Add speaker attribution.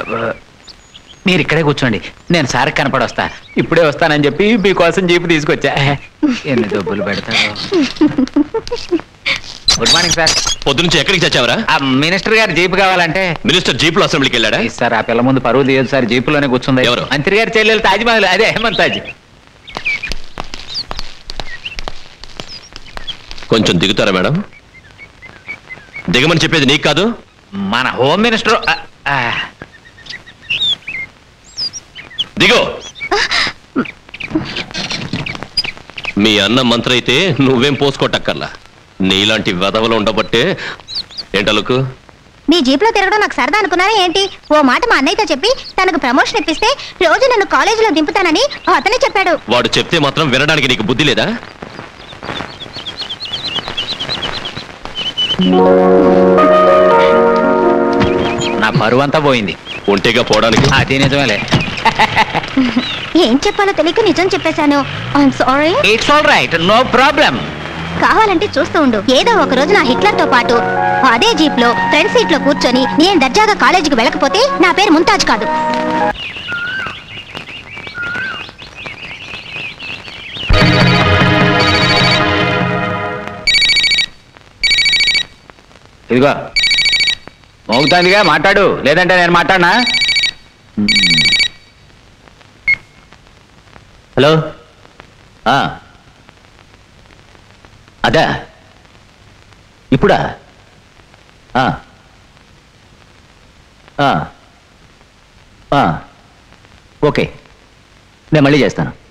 Speaker 1: మీరు ఇక్కడే కూర్చోండి, నేను సార్ కనపడొస్తా. ఇప్పుడే వస్తానని చెప్పి మీకోసం జీపు తీసుకొచ్చా. ఎన్ని డబ్బులు పెడతారు. Good morning sir.
Speaker 2: పొద్దునుంచి ఎక్కడికి చచ్చావరా?
Speaker 1: మినిస్టర్ గారు జీపు కావాలంటే.
Speaker 2: మినిస్టర్ జీపులో అసెంబ్లీకి వెళ్ళాడా?
Speaker 1: సార్ ఆ పిల్ల ముందు పరువు తీయదు సార్, జీపులోనే కూర్చుంది.
Speaker 2: ఎవరు?
Speaker 1: మంత్రి గారి చెల్లెలు తాజ్మహల్, అదే హేమంత్ తాజ్.
Speaker 2: కొంచెం దిగుతారా మేడం? దిగమని చెప్పేది నీకు కాదు,
Speaker 1: మన హోమ్ మినిస్టర్.
Speaker 2: దిగో. మీ అన్న మంత్రి అయితే నువ్వేం పోసుకోటక్కర్లా. నీలాంటి వెధవలు ఉండబట్టే. ఏంటలుకు
Speaker 3: మీ జీప్లో తిరగడం నాకు సరదా అనుకున్నారా ఏంటి? ఓ మాట మా అన్నయ్యతో చెప్పి తనకు ప్రమోషన్ ఇప్పిస్తే రోజు నన్ను కాలేజీలో దింపుతానని అతనే చెప్పాడు.
Speaker 2: వాడు చెప్తే మాత్రం వినడానికి నీకు బుద్ధి లేదా?
Speaker 1: నా పరువు అంతా పోయింది.
Speaker 2: ఒంటేగా పోవడానికి.
Speaker 1: అది నిజమేలే.
Speaker 3: ఏం చెప్పాలో తెలియక నిజం చెప్పేశాను. I'm sorry.
Speaker 1: It's all right, no problem.
Speaker 3: కావాలంటే చూస్తూ ఉండు, ఏదో ఒక రోజు నా హిట్లర్ తో పాటు అదే జీప్ లో ఫ్రంట్ సీట్ లో కూర్చొని నేను దర్జాగా కాలేజీకి వెళ్ళకపోతే నా పేరు ముంతాజ్ కాదు.
Speaker 1: ఇదిగో మోగుతాందిగా, మాట్లాడు, లేదంటే నేను మాట్లాడనా? హలో, అదా ఇప్పుడా? ఓకే, నేను మళ్ళీ చేస్తాను.